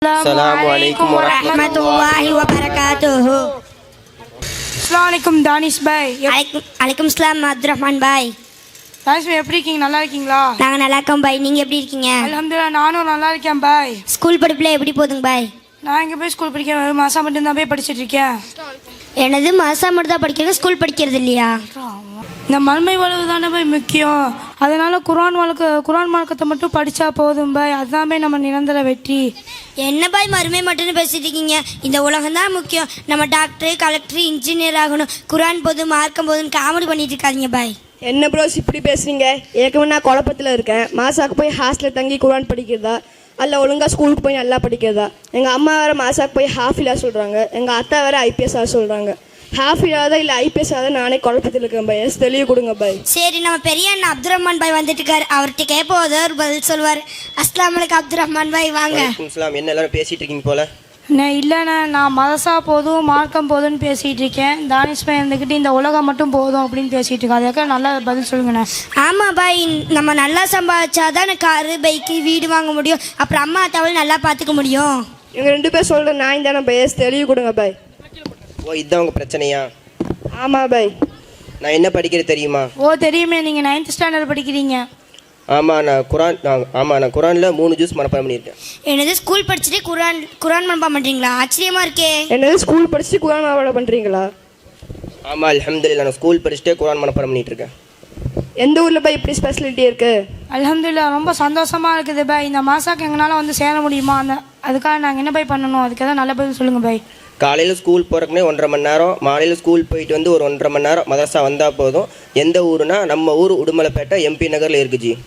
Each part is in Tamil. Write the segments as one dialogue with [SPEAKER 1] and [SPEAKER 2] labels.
[SPEAKER 1] Assalamualaikum warahmatullahi wabarakatuh.
[SPEAKER 2] Assalamualaikum Danish பாய்.
[SPEAKER 1] அலைக்கும் சலாம் அப்துரஹ்மான் பாய்.
[SPEAKER 2] தானிஷ் பாய் எப்படி இருக்கீங்க? நல்லா இருக்கீங்களா?
[SPEAKER 1] நாங்க நல்லா இருக்கோம் பாய். நீங்க எப்படி இருக்கீங்க?
[SPEAKER 2] அல்ஹம்துலில்லாஹ் நானும் நல்லா இருக்கேன் பாய்.
[SPEAKER 1] ஸ்கூல் படிப்புல எப்படி போகுதுங்க பாய்?
[SPEAKER 2] நான் இங்கே போய் ஸ்கூல் படிக்கிறேன். ஒரு மாதம் மட்டும்தான் போய் படிச்சுட்டு இருக்கேன்.
[SPEAKER 1] எனது மாசா மட்டும் தான் படிக்கிறது, ஸ்கூல் படிக்கிறது இல்லையா?
[SPEAKER 2] இந்த மண்மை வாழ்வு தானே போய் முக்கியம். அதனால குர்ஆன் மார்க்கத்தை மட்டும் படித்தா போதும் பாய். அதுதான் போய் நம்ம நிரந்தர வெற்றி.
[SPEAKER 1] என்ன பாய் மறுமை மட்டும்னு பேசிட்டு இருக்கீங்க? இந்த உலகம் தான் முக்கியம். நம்ம டாக்டர், கலெக்டர், இன்ஜினியர் ஆகணும். குர்ஆன் போதும் மார்க்கம் போதுன்னு காமெடி பண்ணிட்டு இருக்காதீங்க பாய்.
[SPEAKER 3] என்ன ப்ரோஸ் இப்படி பேசுறீங்க? ஏற்கனவே நான் குழப்பத்தில் இருக்கேன். மாசாக்கு போய் ஹாஸ்டலில் தங்கி குர்ஆன் படிக்கிறதா அல்ல ஒழுங்காக ஸ்கூலுக்கு போய் நல்லா படிக்கிறதா? எங்கள் அம்மா வேறு மாசாக்கு போய் ஹாஃபிலாக சொல்கிறாங்க. எங்கள் அத்தா வேறு ஐபிஎஸ்ஸாக சொல்கிறாங்க. ஹாஃபிலாக இல்லை ஐபிஎஸ்ஸாக நானே குழப்பத்தில் இருக்கேன் பாய். தெளிவு கொடுங்க பாய்.
[SPEAKER 1] சரி, நம்ம பெரிய அண்ணன் அப்துரஹ்மான் பாய் வந்துட்டு இருக்காரு. அவர்கிட்ட கேட்போம், ஏதோ ஒரு பதில் சொல்லுவார். அஸ்ஸலாமு அலைக்கும் அப்துரஹ்மான் பாய், வாங்க.
[SPEAKER 4] என்ன எல்லாரும் பேசிட்டு இருக்கீங்க போல?
[SPEAKER 2] இல்லைண்ணே, நான் மதசா போதும் மார்க்கம் போதும்னு பேசிகிட்டு இருக்கேன். தானிஷ் பாய் இருந்துக்கிட்டு இந்த உலகம் மட்டும் போதும் அப்படின்னு பேசிகிட்டு இருக்கேன். அதுக்காக நல்லா பதில் சொல்லுங்கண்ணே.
[SPEAKER 1] ஆமாம் பாய், நம்ம நல்லா சம்பாதிச்சாதான் காரு, பைக்கு, வீடு வாங்க முடியும். அப்புறம் அம்மா அத்தாவும் நல்லா பார்த்துக்க முடியும்.
[SPEAKER 3] எங்கள் 2 பேர் சொல்கிற நான் தானே பாய். தெளிவு கொடுங்க பாய்.
[SPEAKER 4] ஓ, இதுதான் உங்கள் பிரச்சனையா?
[SPEAKER 3] ஆமாம் பாய்.
[SPEAKER 4] நான் என்ன படிக்கிறது தெரியுமா?
[SPEAKER 2] ஓ தெரியுமே, நீங்கள் 9th ஸ்டாண்டர்ட் படிக்கிறீங்க.
[SPEAKER 4] ஆமாம், நான் குரானில் 3 ஜூஸ் மனப்பாடம் பண்ணியிருக்கேன்.
[SPEAKER 1] என்னது, ஸ்கூல் படிச்சுட்டு குரான் மனப்பாடம் பண்ணுறீங்களா? ஆச்சரியமாக இருக்கே.
[SPEAKER 3] என்னது, ஸ்கூல் படிச்சுட்டு குர்ஆன் மனப்பாடம் பண்ணுறீங்களா?
[SPEAKER 4] ஆமாம், அல்ஹம்துலில்லாஹ் நான் ஸ்கூல் படிச்சுட்டே குரான் மனப்பாடம் பண்ணிட்டு இருக்கேன்.
[SPEAKER 3] எந்த ஊரில் பாய் இப்படி ஸ்பெஷாலிட்டி இருக்குது?
[SPEAKER 2] அல்ஹம்துலில்லாஹ் ரொம்ப சந்தோஷமாக இருக்குது பாய். இந்த மாசாக்கு எங்களால் வந்து சேர முடியுமா? அதுக்காக நாங்கள் என்ன பாய் பண்ணணும்? அதுக்கு எதாவது நல்ல பதில் சொல்லுங்கள் பாய்.
[SPEAKER 4] காலையில் ஸ்கூல் போகிறக்குனே 1.5 மணி நேரம், மாலையில் ஸ்கூல் போயிட்டு வந்து ஒரு 1.5 மணி நேரம் மதரசா வந்தால் போதும். எந்த ஊருனா நம்ம ஊர் உடுமலைப்பேட்டை எம்பி நகரில் இருக்குது ஜி.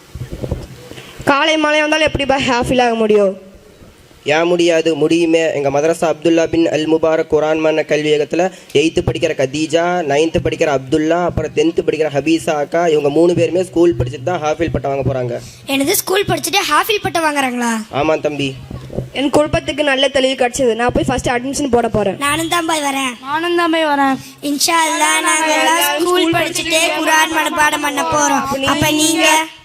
[SPEAKER 3] காலை மாலை வந்தாலும் எப்படி பாய் ஹாஃபில் ஆக முடியும்?
[SPEAKER 4] ஏன் முடியாது? முடியுமே. எங்கள் மதரசா அப்துல்லா பின் அல் முபாரக் குரான் மன்ன கல்வியகத்தில் 8th படிக்கிற கதீஜா, 9th படிக்கிற அப்துல்லா, அப்புறம் 10th படிக்கிற ஹபீஸா அக்கா, இவங்க 3 பேருமே ஸ்கூல் படிச்சுட்டு தான் ஹாஃபில் பட்டம் வாங்க போகிறாங்க.
[SPEAKER 1] என்னது, ஸ்கூல் படிச்சுட்டு ஹாஃபில் பட்டம் வாங்குறாங்களா?
[SPEAKER 4] ஆமாம் தம்பி.
[SPEAKER 3] என் குழப்பத்துக்கு நல்ல தெளிவு கிடச்சிது. நான் போய் ஃபர்ஸ்ட் அட்மிஷன் போட போகிறேன்.
[SPEAKER 1] நானும் தான் பாய் வரேன். இன்ஷா அல்லாஹ் நாங்கள் ஸ்கூல் படிச்சுட்டே குர்ஆன் மனப்பாடம் பண்ண போகிறோம். அப்போ நீங்கள்